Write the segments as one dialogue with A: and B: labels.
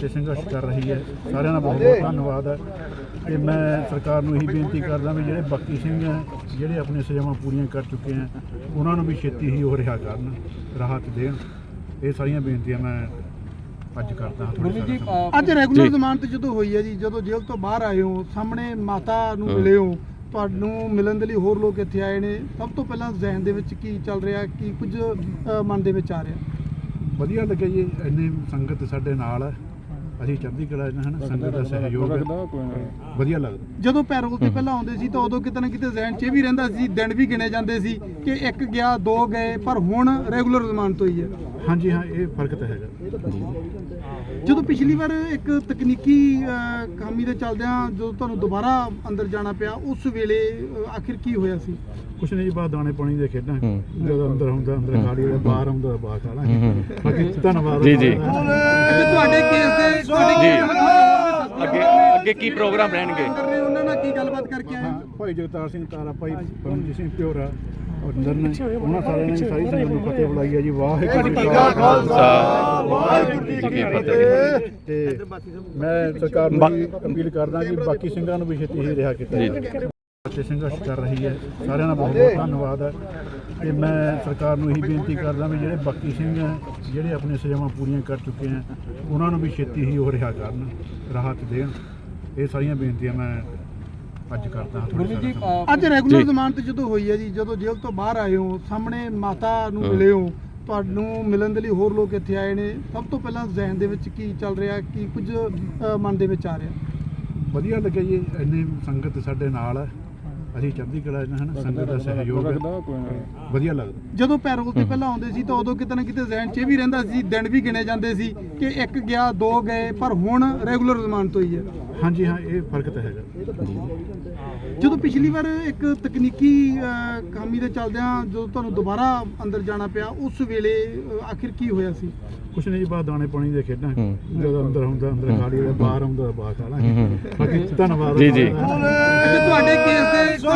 A: ਤੇ ਸੰਘਰਸ਼ ਕਰ ਰਹੀ ਹੈ। ਸਾਰਿਆਂ ਦਾ ਬਹੁਤ ਬਹੁਤ ਧੰਨਵਾਦ ਹੈ। ਤੇ ਮੈਂ ਸਰਕਾਰ ਨੂੰ ਇਹੀ ਬੇਨਤੀ ਕਰਦਾ ਵੀ ਜਿਹੜੇ ਬਾਕੀ ਸਿੰਘ ਹੈ ਜਿਹੜੇ ਆਪਣੀਆਂ ਸਜ਼ਾਵਾਂ ਪੂਰੀਆਂ ਕਰ ਚੁੱਕੇ ਹੈ ਉਹਨਾਂ ਨੂੰ ਵੀ ਛੇਤੀ ਹੀ ਉਹ ਰਿਹਾ ਕਰਨ, ਰਾਹਤ ਦੇਣ। ਇਹ ਸਾਰੀਆਂ ਬੇਨਤੀਆਂ ਮੈਂ ਅੱਜ ਕਰਦਾ ਹਾਂ।
B: ਅੱਜ ਰੈਗੂਲਰ ਜ਼ਮਾਨਤ ਜਦੋਂ ਹੋਈ ਹੈ ਜੀ, ਜਦੋਂ ਜੇਲ੍ਹ ਤੋਂ ਬਾਹਰ ਆਏ ਹੋ, ਸਾਹਮਣੇ ਮਾਤਾ ਨੂੰ ਮਿਲੇ ਹੋ, ਤੁਹਾਨੂੰ ਮਿਲਣ ਦੇ ਲਈ ਹੋਰ ਲੋਕ ਇੱਥੇ ਆਏ ਨੇ, ਸਭ ਤੋਂ ਪਹਿਲਾਂ ਜ਼ਿਹਨ ਦੇ ਵਿੱਚ ਕੀ ਚੱਲ ਰਿਹਾ, ਕੀ ਕੁਝ ਮਨ ਦੇ ਵਿੱਚ ਆ ਰਿਹਾ?
A: ਵਧੀਆ ਲੱਗਿਆ ਜੀ, ਇੰਨੀ ਸੰਗਤ ਸਾਡੇ ਨਾਲ ਹੈ। ਅਸੀਂ ਚੜ੍ਹਦੀ ਕਲਾ ਹਨ, ਸੰਗਤ ਦਾ ਸਹਿਯੋਗ ਵਧੀਆ ਲੱਗਦਾ।
B: ਜਦੋਂ ਪੈਰੋਲ ਤੇ ਪਹਿਲਾਂ ਆਉਂਦੇ ਸੀ ਤਾਂ ਉਦੋਂ ਕਿਤੇ ਨਾ ਕਿਤੇ ਜ਼ਿਹਨ 'ਚ ਇਹ ਵੀ ਰਹਿੰਦਾ ਸੀ, ਦਿਨ ਵੀ ਗਿਣੇ ਜਾਂਦੇ ਸੀ ਕਿ ਇੱਕ ਗਿਆ ਦੋ ਗਏ, ਪਰ ਹੁਣ ਰੈਗੂਲਰ ਜ਼ਮਾਨਤ ਹੋਈ ਹੈ।
A: ਹਾਂਜੀ ਹਾਂ, ਇਹ ਫਰਕ ਤਾਂ ਹੈਗਾ।
B: ਜਦੋਂ ਪਿਛਲੀ ਵਾਰ ਇੱਕ ਤਕਨੀਕੀ ਖਾਮੀ ਦੇ ਚੱਲਦਿਆਂ ਜਦੋਂ ਤੁਹਾਨੂੰ ਦੁਬਾਰਾ ਅੰਦਰ ਜਾਣਾ ਪਿਆ, ਉਸ ਵੇਲੇ ਆਖਿਰ ਕੀ ਹੋਇਆ ਸੀ?
A: ਕੁਛ ਨਹੀਂ ਜੀ, ਬਾਹਰ ਦਾਣੇ ਪਾਣੀ ਦੇ ਖੇਡਾਂ। ਜਦੋਂ ਅੰਦਰ ਹੁੰਦਾ ਅੰਦਰ ਖਾ ਲਈ, ਬਾਹਰ ਆਉਂਦਾ ਬਾਹਰ ਖਾ ਲਾਂਗੇ। ਬਾਕੀ ਧੰਨਵਾਦ ਜੀ ਜੀ।
B: ਤੁਹਾਡੇ ਕੇਸ ਦੇ
C: ਅੱਗੇ ਕੀ ਪ੍ਰੋਗਰਾਮ ਰਹਿਣਗੇ?
B: ਉਹਨਾਂ ਨਾਲ ਕੀ ਗੱਲਬਾਤ ਕਰਕੇ ਆਏ?
A: ਭਾਈ ਜਗਤਾਰ ਸਿੰਘ ਤਾਰਾ, ਭਾਈ ਪਰਮਜੀਤ ਸਿੰਘ ਪਿਓਰਾ ਔਰ ਨਰਨ, ਉਹਨਾਂ ਸਾਰਿਆਂ ਨੇ ਸਾਰੀ ਸੰਗਤ ਨੂੰ ਫਤਿਹ ਬੁਲਾਈ ਹੈ ਜੀ। ਵਾਹਿਗੁਰੂ ਜੀ ਕਾ ਖਾਲਸਾ, ਵਾਹਿਗੁਰੂ ਜੀ ਕੀ ਫਤਿਹ। ਤੇ ਮੈਂ ਸਰਕਾਰ ਨੂੰ ਅਪੀਲ ਕਰਦਾ ਕਿ ਬਾਕੀ ਸਿੰਘਾਂ ਨੂੰ ਵੀ ਛੇਤੀ ਹੀ ਰਿਹਾ ਕੀਤਾ ਜਾਵੇ। ਤੇ ਸੰਘਰਸ਼ ਕਰ ਰਹੀ ਹੈ। ਸਾਰਿਆਂ ਦਾ ਬਹੁਤ ਬਹੁਤ ਧੰਨਵਾਦ ਹੈ। ਤੇ ਮੈਂ ਸਰਕਾਰ ਨੂੰ ਇਹੀ ਬੇਨਤੀ ਕਰਦਾ ਵੀ ਜਿਹੜੇ ਬਾਕੀ ਸਿੰਘ ਹੈ ਜਿਹੜੇ ਆਪਣੀਆਂ ਸਜ਼ਾਵਾਂ ਪੂਰੀਆਂ ਕਰ ਚੁੱਕੇ ਹੈ ਉਹਨਾਂ ਨੂੰ ਵੀ ਛੇਤੀ ਹੀ ਉਹ ਰਿਹਾ ਕਰਨ, ਰਾਹਤ ਦੇਣ। ਇਹ ਸਾਰੀਆਂ ਬੇਨਤੀਆਂ ਮੈਂ ਅੱਜ ਕਰਦਾ ਹਾਂ।
B: ਅੱਜ ਰੈਗੂਲਰ ਜ਼ਮਾਨਤ ਜਦੋਂ ਹੋਈ ਹੈ ਜੀ, ਜਦੋਂ ਜੇਲ੍ਹ ਤੋਂ ਬਾਹਰ ਆਏ ਹੋ, ਸਾਹਮਣੇ ਮਾਤਾ ਨੂੰ ਮਿਲੇ ਹੋ, ਤੁਹਾਨੂੰ ਮਿਲਣ ਦੇ ਲਈ ਹੋਰ ਲੋਕ ਇੱਥੇ ਆਏ ਨੇ, ਸਭ ਤੋਂ ਪਹਿਲਾਂ ਜ਼ਿਹਨ ਦੇ ਵਿੱਚ ਕੀ ਚੱਲ ਰਿਹਾ, ਕੀ ਕੁਝ ਮਨ ਦੇ ਵਿੱਚ ਆ ਰਿਹਾ?
A: ਵਧੀਆ ਲੱਗਿਆ ਜੀ, ਇੰਨੀ ਸੰਗਤ ਸਾਡੇ ਨਾਲ ਹੈ। ਅਸੀਂ ਚੜ੍ਹਦੀ ਕਲਾ ਹਨ, ਸੰਗਤ ਦਾ ਸਹਿਯੋਗ ਵਧੀਆ ਲੱਗਦਾ।
B: ਜਦੋਂ ਪੈਰੋਲ ਤੇ ਪਹਿਲਾਂ ਆਉਂਦੇ ਸੀ ਤਾਂ ਉਦੋਂ ਕਿਤੇ ਨਾ ਕਿਤੇ ਜ਼ਿਹਨ 'ਚ ਇਹ ਵੀ ਰਹਿੰਦਾ ਸੀ, ਦਿਨ ਵੀ ਗਿਣੇ ਜਾਂਦੇ ਸੀ ਕਿ ਇੱਕ ਗਿਆ ਦੋ ਗਏ, ਪਰ ਹੁਣ ਰੈਗੂਲਰ ਜ਼ਮਾਨਤ ਹੋਈ ਹੈ।
A: ਹਾਂਜੀ ਹਾਂ, ਇਹ ਫਰਕ ਤਾਂ ਹੈਗਾ।
B: ਜਦੋਂ ਪਿਛਲੀ ਵਾਰ ਇੱਕ ਤਕਨੀਕੀ ਖਾਮੀ ਦੇ ਚੱਲਦਿਆਂ ਜਦੋਂ ਤੁਹਾਨੂੰ ਦੁਬਾਰਾ ਅੰਦਰ ਜਾਣਾ ਪਿਆ, ਉਸ ਵੇਲੇ ਆਖਿਰ ਕੀ ਹੋਇਆ ਸੀ?
A: ਕੁਛ ਨਹੀਂ ਜੀ, ਬਾਹਰ ਦਾਣੇ ਪਾਣੀ ਦੇ ਖੇਡਾਂ। ਜਦੋਂ ਅੰਦਰ ਹੁੰਦਾ ਅੰਦਰ ਖਾ ਲਈ, ਬਾਹਰ ਆਉਂਦਾ ਬਾਹਰ ਖਾ ਲਾਂਗੇ। ਬਾਕੀ ਧੰਨਵਾਦ
C: ਜੀ ਜੀ।
B: ਤੁਹਾਡੇ ਕੇਸ ਦੇ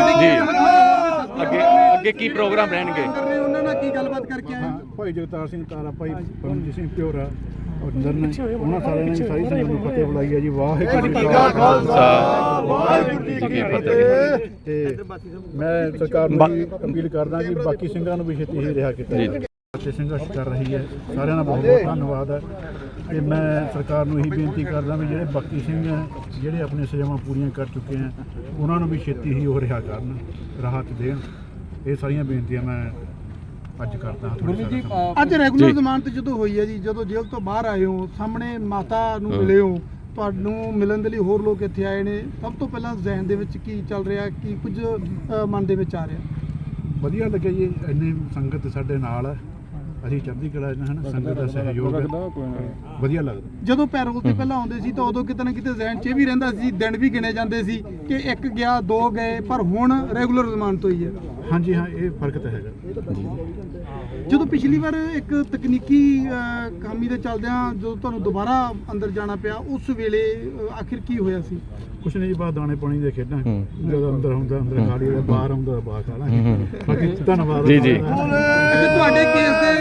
C: ਅੱਗੇ ਕੀ ਪ੍ਰੋਗਰਾਮ ਰਹਿਣਗੇ?
B: ਉਹਨਾਂ ਨਾਲ ਕੀ ਗੱਲਬਾਤ ਕਰਕੇ ਆਏ?
A: ਭਾਈ ਜਗਤਾਰ ਸਿੰਘ ਤਾਰਾ, ਭਾਈ ਪਰਮਜੀਤ ਸਿੰਘ ਪਿਓਰਾ ਔਰ ਨਰਨ, ਉਹਨਾਂ ਸਾਰਿਆਂ ਨੇ ਸਾਰੀ ਸੰਗਤ ਨੂੰ ਫਤਿਹ ਬੁਲਾਈ ਹੈ ਜੀ। ਵਾਹਿਗੁਰੂ ਜੀ ਕਾ ਖਾਲਸਾ, ਵਾਹਿਗੁਰੂ ਜੀ ਕੀ ਫਤਿਹ। ਤੇ ਮੈਂ ਸਰਕਾਰ ਨੂੰ ਅਪੀਲ ਕਰਦਾ ਕਿ ਬਾਕੀ ਸਿੰਘਾਂ ਨੂੰ ਵੀ ਛੇਤੀ ਹੀ ਰਿਹਾ ਕੀਤਾ ਜਾਵੇ। ਤੇ ਸੰਘਰਸ਼ ਕਰ ਰਹੀ ਹੈ। ਸਾਰਿਆਂ ਦਾ ਬਹੁਤ ਬਹੁਤ ਧੰਨਵਾਦ ਹੈ। ਤੇ ਮੈਂ ਸਰਕਾਰ ਨੂੰ ਇਹੀ ਬੇਨਤੀ ਕਰਦਾ ਵੀ ਜਿਹੜੇ ਬਾਕੀ ਸਿੰਘ ਹੈ ਜਿਹੜੇ ਆਪਣੀਆਂ ਸਜ਼ਾਵਾਂ ਪੂਰੀਆਂ ਕਰ ਚੁੱਕੇ ਹੈ ਉਹਨਾਂ ਨੂੰ ਵੀ ਛੇਤੀ ਹੀ ਉਹ ਰਿਹਾ ਕਰਨ, ਰਾਹਤ ਦੇਣ। ਇਹ ਸਾਰੀਆਂ ਬੇਨਤੀਆਂ ਮੈਂ ਅੱਜ ਕਰਦਾ ਹਾਂ।
B: ਅੱਜ ਰੈਗੂਲਰ ਜ਼ਮਾਨਤ ਜਦੋਂ ਹੋਈ ਹੈ ਜੀ, ਜਦੋਂ ਜੇਲ੍ਹ ਤੋਂ ਬਾਹਰ ਆਏ ਹੋ, ਸਾਹਮਣੇ ਮਾਤਾ ਨੂੰ ਮਿਲੇ ਹੋ, ਤੁਹਾਨੂੰ ਮਿਲਣ ਦੇ ਲਈ ਹੋਰ ਲੋਕ ਇੱਥੇ ਆਏ ਨੇ, ਸਭ ਤੋਂ ਪਹਿਲਾਂ ਜ਼ਿਹਨ ਦੇ ਵਿੱਚ ਕੀ ਚੱਲ ਰਿਹਾ, ਕੀ ਕੁਝ ਮਨ ਦੇ ਵਿੱਚ ਆ ਰਿਹਾ? ਵਧੀਆ
A: ਲੱਗਿਆ ਜੀ, ਇੰਨੀ ਸੰਗਤ ਸਾਡੇ ਨਾਲ ਹੈ। ਅਸੀਂ ਚੜ੍ਹਦੀ ਕਲਾ ਹਨ, ਸੰਗਤ ਦਾ ਸਹਿਯੋਗ ਵਧੀਆ ਲੱਗਦਾ।
B: ਜਦੋਂ ਪੈਰੋਲ ਤੇ ਪਹਿਲਾਂ ਆਉਂਦੇ ਸੀ ਤਾਂ ਉਦੋਂ ਕਿਤੇ ਨਾ ਕਿਤੇ ਜ਼ਿਹਨ 'ਚ ਇਹ ਵੀ ਰਹਿੰਦਾ ਸੀ, ਦਿਨ ਵੀ ਗਿਣੇ ਜਾਂਦੇ ਸੀ ਕਿ ਇੱਕ ਗਿਆ ਦੋ ਗਏ, ਪਰ ਹੁਣ ਰੈਗੂਲਰ ਜ਼ਮਾਨਤ ਹੋਈ ਹੈ।
A: ਹਾਂਜੀ ਹਾਂ, ਇਹ ਫਰਕ ਤਾਂ ਹੈਗਾ।
B: ਜਦੋਂ ਪਿਛਲੀ ਵਾਰ ਇੱਕ ਤਕਨੀਕੀ ਖਾਮੀ ਦੇ ਚੱਲਦਿਆਂ ਜਦੋਂ ਤੁਹਾਨੂੰ ਦੁਬਾਰਾ ਅੰਦਰ ਜਾਣਾ ਪਿਆ, ਉਸ ਵੇਲੇ ਆਖਿਰ ਕੀ ਹੋਇਆ ਸੀ?
A: ਕੁਛ ਨਹੀਂ ਜੀ, ਬਾਹਰ ਦਾਣੇ ਪਾਣੀ ਦੇ ਖੇਡਾਂ। ਜਦੋਂ ਅੰਦਰ ਹੁੰਦਾ ਅੰਦਰ ਖਾ ਲਈ, ਬਾਹਰ ਆਉਂਦਾ ਬਾਹਰ ਖਾ ਲਾਂਗੇ। ਬਾਕੀ ਧੰਨਵਾਦ ਜੀ ਜੀ।
B: ਤੁਹਾਡੇ ਕੇਸ ਦੇ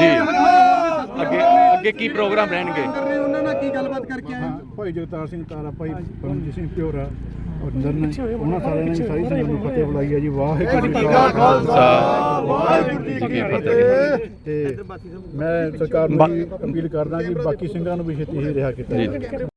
C: ਅੱਗੇ ਕੀ ਪ੍ਰੋਗਰਾਮ ਰਹਿਣਗੇ?
B: ਉਹਨਾਂ ਨਾਲ ਕੀ ਗੱਲਬਾਤ ਕਰਕੇ ਆਏ?
A: ਭਾਈ ਜਗਤਾਰ ਸਿੰਘ ਤਾਰਾ, ਭਾਈ ਪਰਮਜੀਤ ਸਿੰਘ ਪਿਓਰਾ ਔਰ ਨਰਨ, ਉਹਨਾਂ ਸਾਰਿਆਂ ਨੇ ਸਾਰੀ ਸੰਗਤ ਨੂੰ ਫਤਿਹ ਬੁਲਾਈ ਹੈ ਜੀ। ਵਾਹਿਗੁਰੂ ਜੀ ਕਾ ਖਾਲਸਾ, ਵਾਹਿਗੁਰੂ ਜੀ ਕੀ ਫਤਿਹ। ਤੇ ਮੈਂ ਸਰਕਾਰ ਨੂੰ ਅਪੀਲ ਕਰਦਾ ਕਿ ਬਾਕੀ ਸਿੰਘਾਂ ਨੂੰ ਵੀ ਛੇਤੀ ਹੀ ਰਿਹਾ ਕੀਤਾ ਜਾਵੇ।